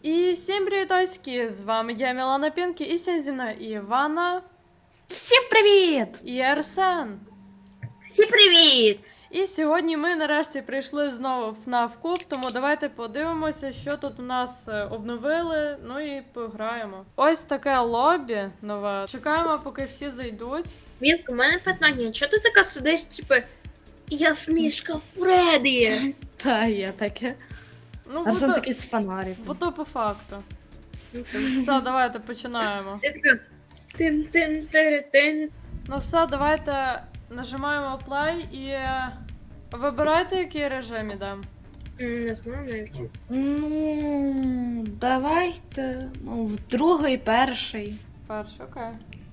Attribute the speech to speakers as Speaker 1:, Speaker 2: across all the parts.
Speaker 1: І всім привітоськи! З вами я, Мілана Пінкі, і сьогодні зі мною і Івана,
Speaker 2: Всім привіт!
Speaker 1: і Арсен.
Speaker 2: Всім привіт!
Speaker 1: І сьогодні ми нарешті прийшли знову в FNAF Cup, тому давайте подивимося, що тут у нас обновили, ну і пограємо. Ось таке лобі нове. Чекаємо, поки всі зайдуть.
Speaker 2: Вінка, у мене питання, чого ти така сидиш, типу, я в мішка Фредді?
Speaker 3: Та, є таке.
Speaker 1: Ну,
Speaker 3: Арсен такий з фонариком.
Speaker 1: бо то по факту. Все, давайте починаємо.
Speaker 2: Я така тин-тин-тин-тин.
Speaker 1: Ну все, давайте нажимаємо play і вибирайте, який режим ідемо.
Speaker 2: Не знаю навіть.
Speaker 3: Ну, давайте. Ну, в другий, перший.
Speaker 1: Перший, окей.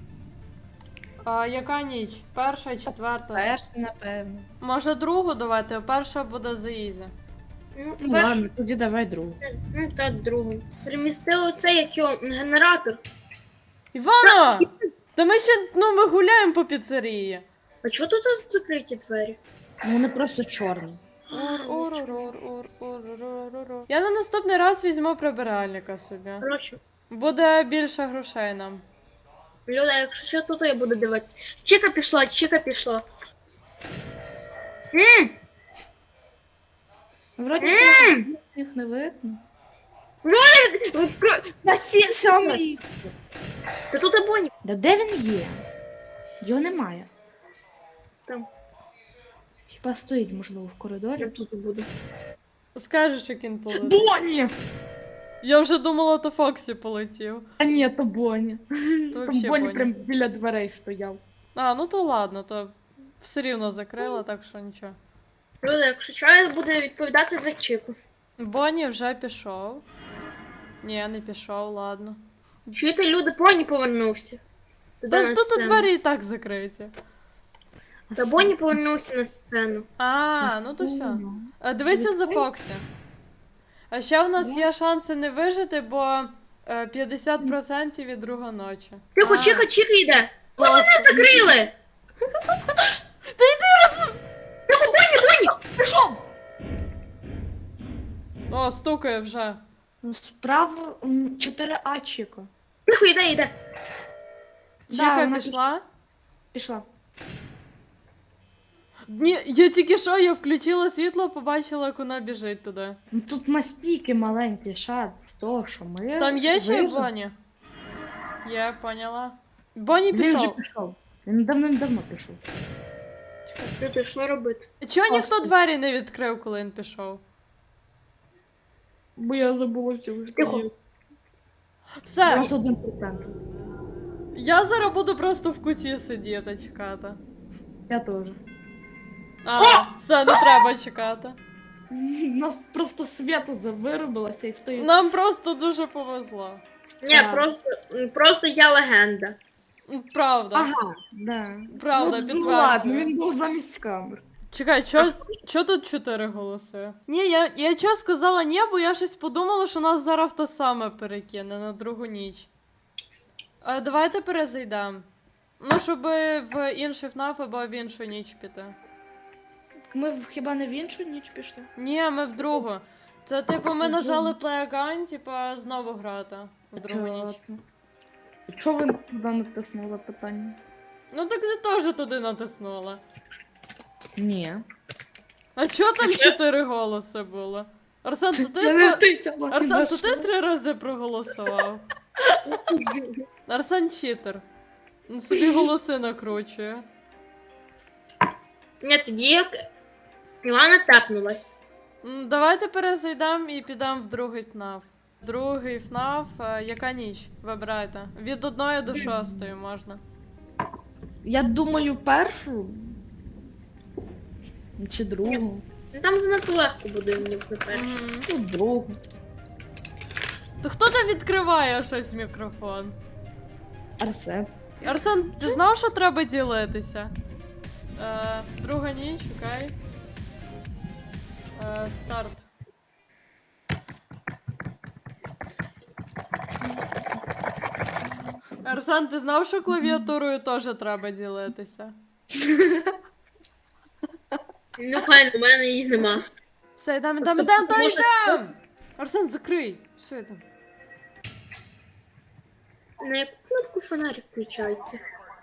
Speaker 1: А яка ніч? Перша, четверта?
Speaker 3: Перший, напевно.
Speaker 1: Може другу давайте, перша буде за ізі.
Speaker 2: Ну,
Speaker 3: Ну,
Speaker 2: перш-
Speaker 3: ладно, тоді давай другу.
Speaker 2: ну та другу. Перемістили оце, як його, генератор.
Speaker 1: Івана! Та ми ще, ми гуляємо по піцерії.
Speaker 2: А чого тут закриті двері?
Speaker 3: Ну, вони просто чорні.
Speaker 1: Ур-ур-ур-ур-ур-ур-ур-ур. Я на наступний раз візьму прибиральника собі.
Speaker 2: Коротше,
Speaker 1: Буде більше грошей нам.
Speaker 2: Люда, якщо що, тут я буду дивитися. Чіка пішла.
Speaker 3: Вроді їх не видно.
Speaker 2: Відкрой!
Speaker 3: На всі самі.
Speaker 2: Та тут абоні.
Speaker 3: Да де він є? Його немає.
Speaker 2: Там.
Speaker 3: Хіба стоїть, можливо, в
Speaker 2: Я
Speaker 3: коридорі?
Speaker 2: тут буду.
Speaker 1: Скажеш, як він полетів.
Speaker 3: Бонні!
Speaker 1: Я вже думала, то Фоксі полетів.
Speaker 3: А ні, то Бонні.
Speaker 1: То
Speaker 3: Там
Speaker 1: вообще
Speaker 3: Бонні
Speaker 1: Бонні.
Speaker 3: прям біля дверей стояв.
Speaker 1: А, ну то ладно, то все рівно закрила, так що нічого.
Speaker 2: Люда, якщо що, я буду відповідати за Чіку.
Speaker 1: Бонні вже пішов. Ні, не пішов, ладно.
Speaker 2: Чуєте, люди, Бонні повернувся. Туди на
Speaker 1: Тут
Speaker 2: сцену.
Speaker 1: двері і так закриті.
Speaker 2: Та Бонні повернувся на сцену.
Speaker 1: А, ну то все. Дивися за Фоксі. А ще в нас є шанси не вижити, бо 50% від друга ночі.
Speaker 2: Тихо,
Speaker 3: А.
Speaker 2: Чіка йде. Ви мене закрили!
Speaker 1: Та йди
Speaker 2: Тихо, Бонні! Пішов!
Speaker 1: О, стукає вже.
Speaker 3: Ну, справа 4А Чіко.
Speaker 2: Тихо, йде.
Speaker 1: Чіка
Speaker 3: вона
Speaker 1: пішла?
Speaker 3: Пішла.
Speaker 1: Ні, я тільки що, я включила світло, побачила, як вона біжить туди.
Speaker 3: Ну тут настільки маленький шанс з того, що ми.
Speaker 1: Там є ще
Speaker 3: виживемо.
Speaker 1: Бонні? Є, поняла. Бонні
Speaker 3: Він вже
Speaker 1: пішов.
Speaker 3: пішов. Він давно пішов.
Speaker 2: Люди, що робити?
Speaker 1: Чого ніхто
Speaker 3: Просто.
Speaker 1: двері не відкрив, коли він пішов?
Speaker 3: Бо я забула всього.
Speaker 2: Тихо.
Speaker 1: Все,
Speaker 3: 21%.
Speaker 1: я зараз буду просто в куті сидіти, чекати.
Speaker 3: Я теж.
Speaker 1: А, все, не треба чекати.
Speaker 3: У нас просто свято виробилося і в той.
Speaker 1: Нам просто дуже повезло.
Speaker 2: Ні,
Speaker 3: Так.
Speaker 2: просто я легенда.
Speaker 1: Правда.
Speaker 3: Ага, да.
Speaker 1: Правда,
Speaker 3: Ну, ну ладно,
Speaker 1: підтверджую.
Speaker 3: він був замість камер.
Speaker 1: Чекай, чо тут 4 голоси? Ні, я чого сказала ні, бо я щось подумала, що нас зараз в то саме перекине на другу ніч. Давайте перезайдемо. Ну, щоб в інший ФНАФ або в іншу ніч піти.
Speaker 3: Ми хіба не в іншу ніч пішли?
Speaker 1: Ні, ми в другу. Це типу ми нажали play again, типа знову грати в другу ніч.
Speaker 3: Чого ви туди натиснули питання?
Speaker 1: Ну так ти теж туди натиснула.
Speaker 3: Ні.
Speaker 1: А чого там 4 голоси було? Арсен, то
Speaker 3: Я не
Speaker 1: ти,
Speaker 3: тицяла.
Speaker 1: Арсен, то ти 3 рази проголосував. Арсен читер. Він собі голоси накручує.
Speaker 2: Ні, тоді як Івана тапнулась.
Speaker 1: Давайте перезайдемо і підемо в другий ФНАФ. Другий ФНАФ, яка ніч? Вибирайте. Від 1 до 6 можна.
Speaker 3: Я думаю, першу. Чи другу.
Speaker 2: Ну там занадто легко буде мені тепер.
Speaker 3: Ну, другу.
Speaker 1: То хто там відкриває щось мікрофон?
Speaker 3: Арсен.
Speaker 1: Арсен, ти знав, що треба ділитися? Друга ніч, окей. Старт. Арсен, ти знав, що клавіатурою теж треба ділитися?
Speaker 2: Ну файно, у мене їх нема.
Speaker 1: Все, йдемо.
Speaker 2: Просто
Speaker 1: Арсен,
Speaker 2: може-
Speaker 1: закрий! Що я там?
Speaker 2: На яку кнопку фонарик включається?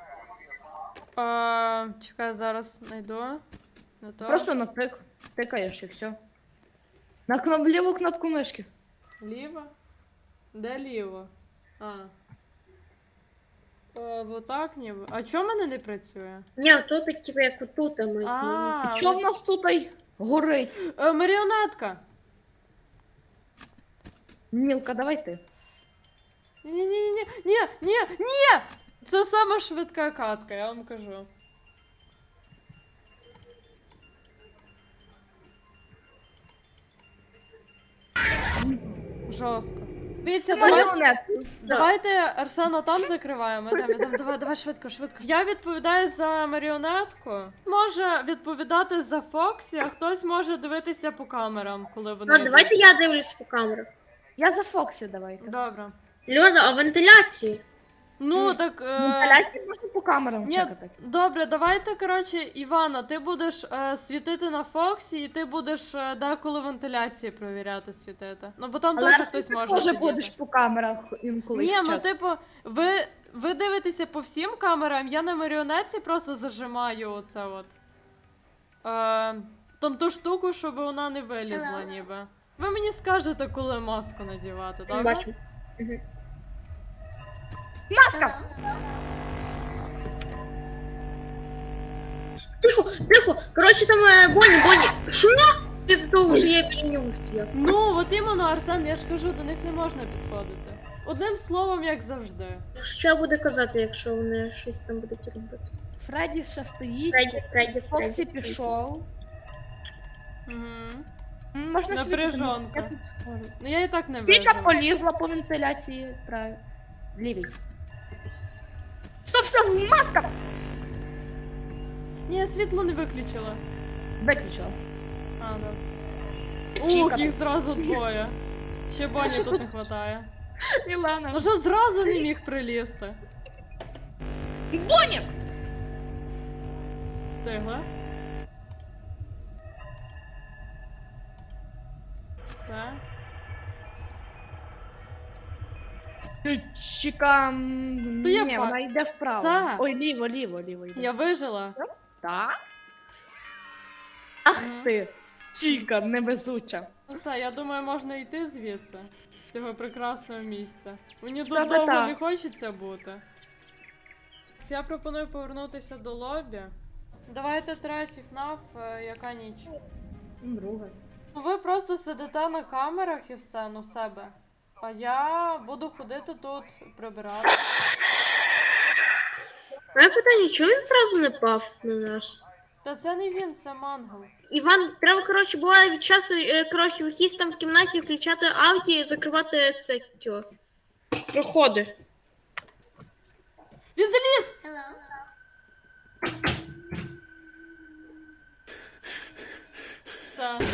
Speaker 1: Чекай, зараз знайду. Не то.
Speaker 3: Просто тикаєш і все. На ліву кнопку мишки.
Speaker 1: Ліво? Де ліво? Вот так ніби. А чому в мене не працює?
Speaker 2: Ні, то так типу як отут, а ми.
Speaker 3: Що в нас тут горить?
Speaker 1: Маріонетка!
Speaker 3: Мілка, давай ти.
Speaker 1: Ні! Це сама швидка катка, я вам кажу. Жорстко. Дивіться, давайте Арсена там закриваємо. Давай швидко. Я відповідаю за маріонетку. Може відповідати за Фоксі, а хтось може дивитися по камерам, коли вони.
Speaker 2: Ну, давайте я дивлюсь по камерах.
Speaker 3: Я за Фоксі давайте.
Speaker 1: Добре.
Speaker 2: Льода, а вентиляції?
Speaker 1: Ну, так.
Speaker 3: Вентиляції можна по камерам
Speaker 1: Ні,
Speaker 3: чекати.
Speaker 1: добре, давайте, коротше, Івана, ти будеш світити на Фоксі, і ти будеш деколи вентиляції провіряти світити. Ну, бо там
Speaker 3: Але
Speaker 1: теж хтось може
Speaker 3: теж
Speaker 1: сидіти.
Speaker 3: будеш по камерах інколи.
Speaker 1: Ні, ну
Speaker 3: чекати.
Speaker 1: типу, ви дивитеся по всім камерам, я на маріонетці просто зажимаю оце от. Там ту штуку, щоб вона не вилізла, ніби. Ви мені скажете, коли маску надівати, так?
Speaker 2: Бачу.
Speaker 3: Маска!
Speaker 2: Тихо! Коротше, там Бонні. Що? Після того вже я біля нього стояв.
Speaker 1: Ну, от іменно, Арсен, я ж кажу, до них не можна підходити. Одним словом, як завжди.
Speaker 2: Що буде казати, якщо вони щось там будуть робити?
Speaker 3: Фредді ще стоїть.
Speaker 2: Фредді.
Speaker 3: Фоксі пішов.
Speaker 1: Угу.
Speaker 3: Можна
Speaker 1: Напряжонка.
Speaker 3: світити.
Speaker 1: Ну я і так не
Speaker 3: Віка
Speaker 1: вижу.
Speaker 3: полізла по вентиляції. Правильно. Лівій. Що все, маска!
Speaker 1: Ні, я світло не виключила.
Speaker 3: Виключила.
Speaker 1: А, да.
Speaker 3: Чіка.
Speaker 1: Ух, їх зразу двоє. Ще Боні
Speaker 3: що
Speaker 1: тут
Speaker 3: тут?
Speaker 1: не хватає.
Speaker 3: Мілана.
Speaker 1: Ну що зразу не міг прилізти?
Speaker 3: Боня!
Speaker 1: Встигла? Все.
Speaker 3: Чіка.
Speaker 1: То я
Speaker 3: Ні,
Speaker 1: ба-
Speaker 3: вона йде вправо.
Speaker 1: Все.
Speaker 3: Ой, ліво йде.
Speaker 1: Я вижила.
Speaker 3: Так? Ах
Speaker 1: Мгм.
Speaker 3: ти! Чіка, невезуча.
Speaker 1: Ну все, я думаю, можна йти звідси. З цього прекрасного місця. Мені тут
Speaker 3: Та-та-та.
Speaker 1: довго не хочеться бути. Я пропоную повернутися до лобі. Давайте третій ФНАФ, яка ніч.
Speaker 3: Друга.
Speaker 1: Ну, ви просто сидите на камерах і все, ну в себе. А я буду ходити тут, прибирати.
Speaker 2: Моє питання, чому він зразу не пав на нас?
Speaker 1: Та це не він, це мангал.
Speaker 2: Іван, треба, коротше, буває від часу, коротше, якісь там в кімнаті включати ауді і закривати це тьо. Проходи.
Speaker 1: Він заліз! Так.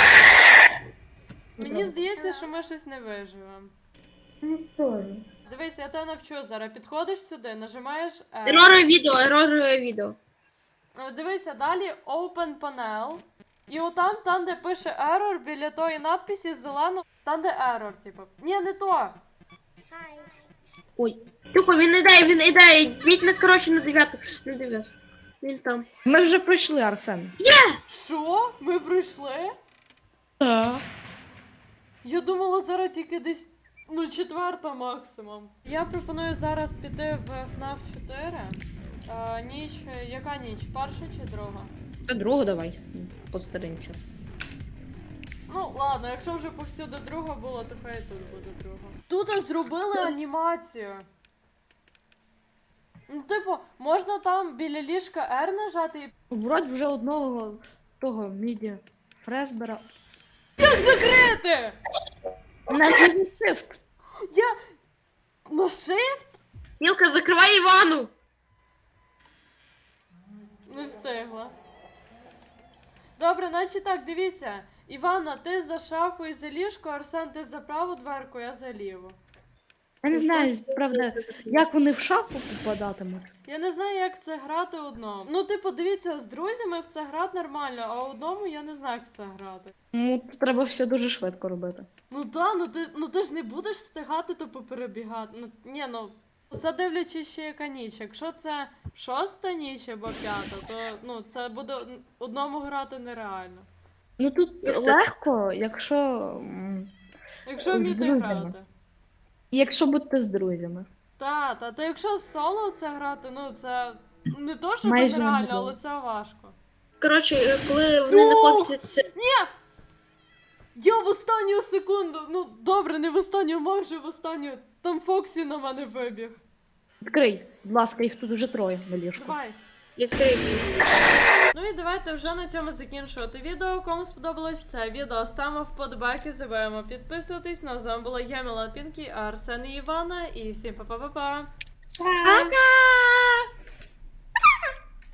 Speaker 1: Мені здається, що ми щось не виживемо. Дивись, я тебе навчу зараз. Підходиш сюди, нажимаєш R.
Speaker 2: Еророве відео.
Speaker 1: Дивися, далі Open Panel. І отам, там, де пише Error, біля тої надписі зелено, там, де Error, типу. Ні, не то.
Speaker 2: Ой. Тихо, він іде, йдіть на, коротше, на 9. Він там.
Speaker 3: Ми вже пройшли, Арсен.
Speaker 1: Що? Ми пройшли?
Speaker 3: Так.
Speaker 1: Я думала, зараз тільки десь, ну, 4 максимум. Я пропоную зараз піти в FNAF 4. Ніч, яка ніч? Перша чи друга?
Speaker 3: Та другу давай. Постаримося.
Speaker 1: Ну, ладно, якщо вже повсюди друга була, то хай тут буде друга. Тут зробили анімацію. Ну, типу, можна там біля ліжка R нажати і.
Speaker 3: Вроді вже одного того міді Фресбера.
Speaker 1: Як закрити?
Speaker 3: На shift.
Speaker 1: Я. На shift?
Speaker 2: Мілка, закривай Івану!
Speaker 1: Не встигла. Добре, значить так, дивіться. Івана, ти за шафу і за ліжко, Арсен, ти за праву дверку, я за ліву.
Speaker 3: Я не знаю, правда, як вони в шафу попадатимуть.
Speaker 1: Я не знаю, як це грати одному. Ну, типу, дивіться, з друзями в це грати нормально, а одному я не знаю, як в це грати.
Speaker 3: Ну, треба все дуже швидко робити.
Speaker 1: Ну да, ну ти ж не будеш встигати тупо перебігати. Ну, ні, ну, Це дивлячись ще яка ніч. Якщо це 6-та ніч або 5-та, то ну, це буде одному грати нереально.
Speaker 3: Ну тут
Speaker 2: все.
Speaker 3: легко, якщо.
Speaker 1: Якщо
Speaker 3: З
Speaker 1: вміти
Speaker 3: друзями.
Speaker 1: грати.
Speaker 3: Якщо бути з друзями.
Speaker 1: Та якщо в соло це грати, ну це не то, що
Speaker 3: Майже
Speaker 1: нереально,
Speaker 3: неможливо.
Speaker 1: але це важко.
Speaker 2: Коротше, коли вони
Speaker 1: Ну!
Speaker 2: накопляться.
Speaker 1: Я в останню секунду, ну добре, не в останню, майже в останню. Там Фоксі на мене вибіг.
Speaker 3: Відкрий, будь ласка, їх тут уже троє на ліжку.
Speaker 1: Давай.
Speaker 2: Відкрий.
Speaker 1: Ну і давайте вже на цьому закінчувати відео. Кому сподобалось це відео, ставимо вподобайки, забуваємо підписуватись. На з вами була я, Міла Пінкі, Арсен і Івана. І всім па-па-па-па.
Speaker 2: Пока!